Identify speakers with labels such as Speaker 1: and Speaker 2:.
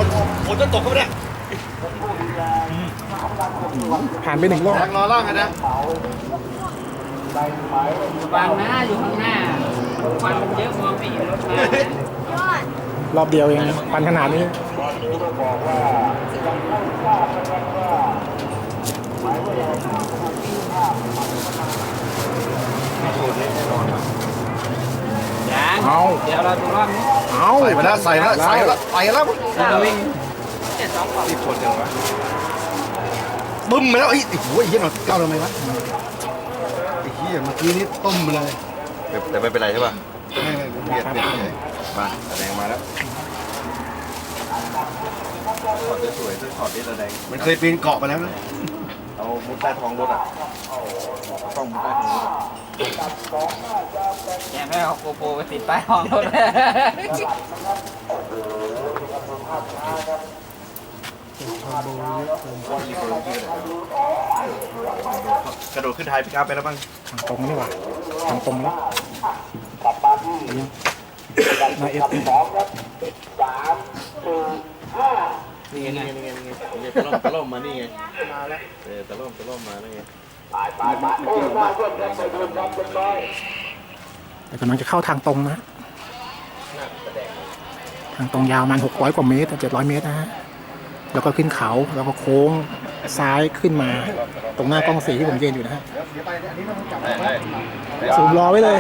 Speaker 1: ฝนจะตกก็ไม่ได้
Speaker 2: ผ่านไป1 รอบ
Speaker 1: แรงรอล่างกันนะ
Speaker 3: วางหน้าอยู่ข้างหน้าควันมันเยอะมองไม่เห็นรถมาร
Speaker 2: อบเดียวเองควันขนาดนี้
Speaker 3: ยัง
Speaker 2: เอา
Speaker 3: เดี๋ยวเราดูรอบนี้
Speaker 2: เอา
Speaker 1: ใส่ไปแล้วใส่แล้วใส่แล้วใส่แล้ว
Speaker 3: เราวิ่งเนี่ย2 กล่อง
Speaker 1: รีบชนกันวะบึ้มไปแล้วไอ้โหไอ้เหี้ยหน่อยก้าวทำไมวะไอ้เหี้ยเมื่อกี้นี้ต้มไปเลยแต่ไม่เป็นไรใช่ป่ะไม่เบียดมาแดงมาแล้วถอดสวยๆถอดนี่ระแดงมันเคยปีนเกาะไปแล้วนะเอามุดใต้ท้องรถอ่ะต้องมุดใต้ท้องรถ
Speaker 3: เนี่ยไม่เอาโกโปรไปติดป้ายห้องรถ
Speaker 1: กระโดดขึ้นท้ายพิกอัพไปแล้วบ้าง
Speaker 2: ทางตรงนี่หว่าทางตรงแล้วนาเอฟ
Speaker 1: นี่ไงตะล่อมมานี่ไงมาแล้วตะล่อมมานี่ไง
Speaker 2: แต่กำลังจะเข้าทางตรงนะทางตรงยาวมัน600 กว่าเมตร700 เมตรนะฮะแล้วก็ขึ้นเขาแล้วก็โค้งซ้ายขึ้นมาตรงหน้ากล้องสีที่ผมยืนอยู่นะฮะสูมรอไว้เลย